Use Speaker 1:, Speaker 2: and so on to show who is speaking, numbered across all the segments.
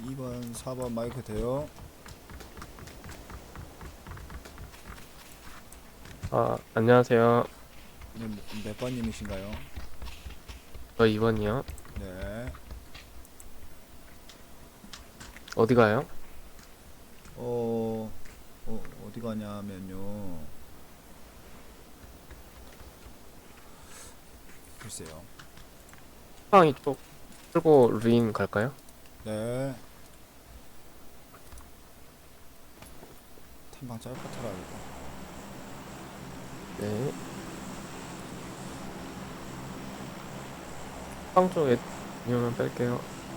Speaker 1: 2번, 4번 마이크 돼요?
Speaker 2: 안녕하세요.
Speaker 1: 네, 몇 번님이신가요?
Speaker 2: 저 2번이요.
Speaker 1: 네.
Speaker 2: 어디 가요?
Speaker 1: 어, 어디 가냐면요. 글쎄요.
Speaker 2: 팡 이쪽 끌고 루인 갈까요?
Speaker 1: 네. 탐방 짧고 털어야겠다.
Speaker 2: 네. 팡 쪽에 유면 뺄게요.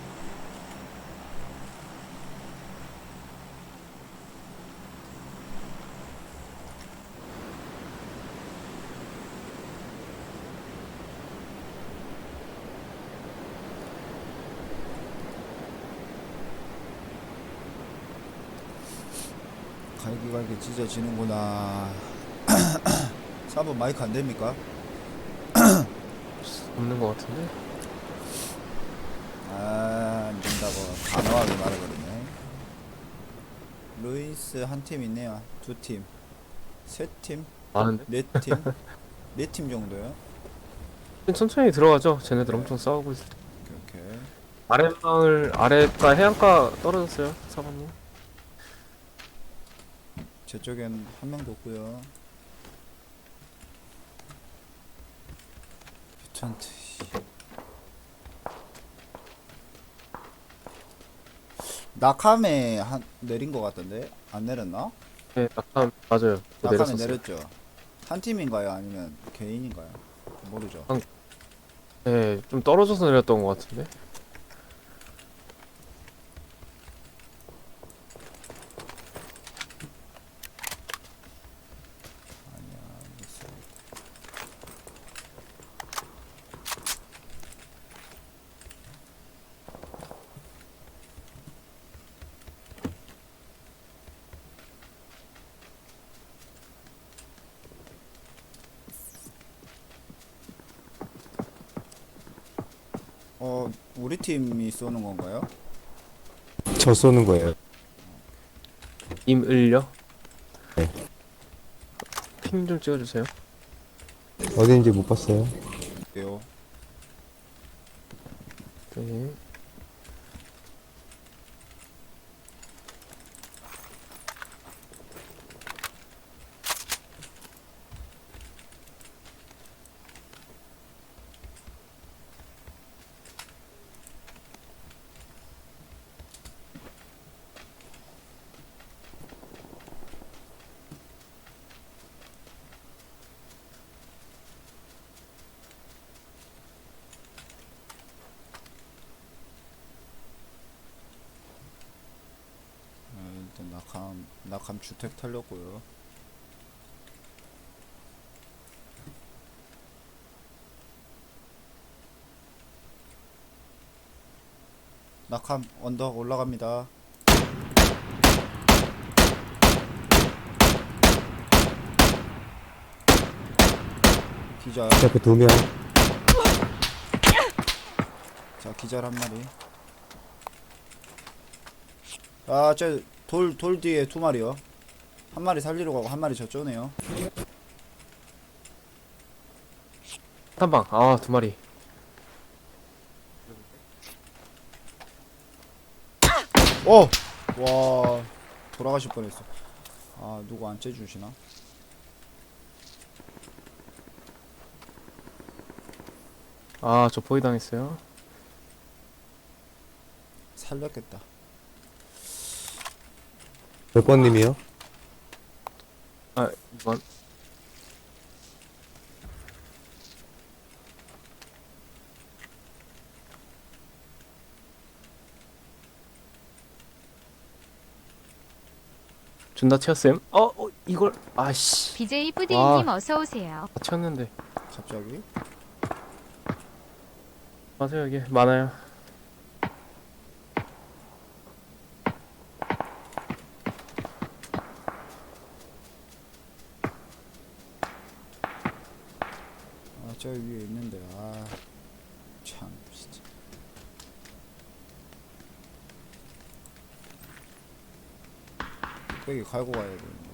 Speaker 1: 갈기갈기 찢어지는구나. 4번 마이크 안 됩니까?
Speaker 2: 없는 것 같은데?
Speaker 1: 안 된다고 단호하게 말해버리네. 루이스 한 팀 있네요. 두 팀, 세 팀,
Speaker 2: 많은데?
Speaker 1: 네 팀, 네 팀 정도요.
Speaker 2: 천천히 들어가죠. 쟤네들
Speaker 1: 네.
Speaker 2: 엄청 싸우고 있을 때.
Speaker 1: 오케이.
Speaker 2: 아래가 해안가 떨어졌어요. 사방님.
Speaker 1: 제 쪽엔 한 명도 없고요. 뮤턴트. 낙함에 한 내린 것 같던데 안 내렸나?
Speaker 2: 네, 낙하 맞아요. 저
Speaker 1: 낙함에
Speaker 2: 내렸었어요.
Speaker 1: 내렸죠. 한 팀인가요? 아니면 개인인가요? 모르죠.
Speaker 2: 네, 좀 떨어져서 내렸던 것 같은데?
Speaker 1: 아니야. 미스. 우리 팀이 쏘는 건가요?
Speaker 3: 저 쏘는 거예요.
Speaker 2: 임을요?
Speaker 3: 네.
Speaker 2: 핑 좀 찍어주세요.
Speaker 3: 어딘지 못 봤어요.
Speaker 1: 네요.
Speaker 2: 네.
Speaker 1: 일단 낙함 주택 털렸고요. 낙함 언덕 올라갑니다. 기절.
Speaker 3: 옆에 두 명.
Speaker 1: 자, 기절 한 마리. 아, 저 돌 뒤에 두 마리요. 한 마리 살리러 가고 한 마리 저쪽네요.
Speaker 2: 한방 두 마리.
Speaker 1: 와, 돌아가실 뻔했어. 아, 누구 안 째주시나?
Speaker 2: 저 포위 당했어요.
Speaker 1: 살렸겠다.
Speaker 3: 몇 번님이요?
Speaker 2: 2번. 존나 튀었음. 이걸 아씨.
Speaker 4: BJ
Speaker 2: 와.
Speaker 4: 뿌디님 어서 오세요.
Speaker 2: 다 튀었는데.
Speaker 1: 갑자기?
Speaker 2: 맞아요, 여기 많아요.
Speaker 1: 아, 저 위에 있는데. 아, 참, 진짜. 뚝배기 갈고 가야 돼.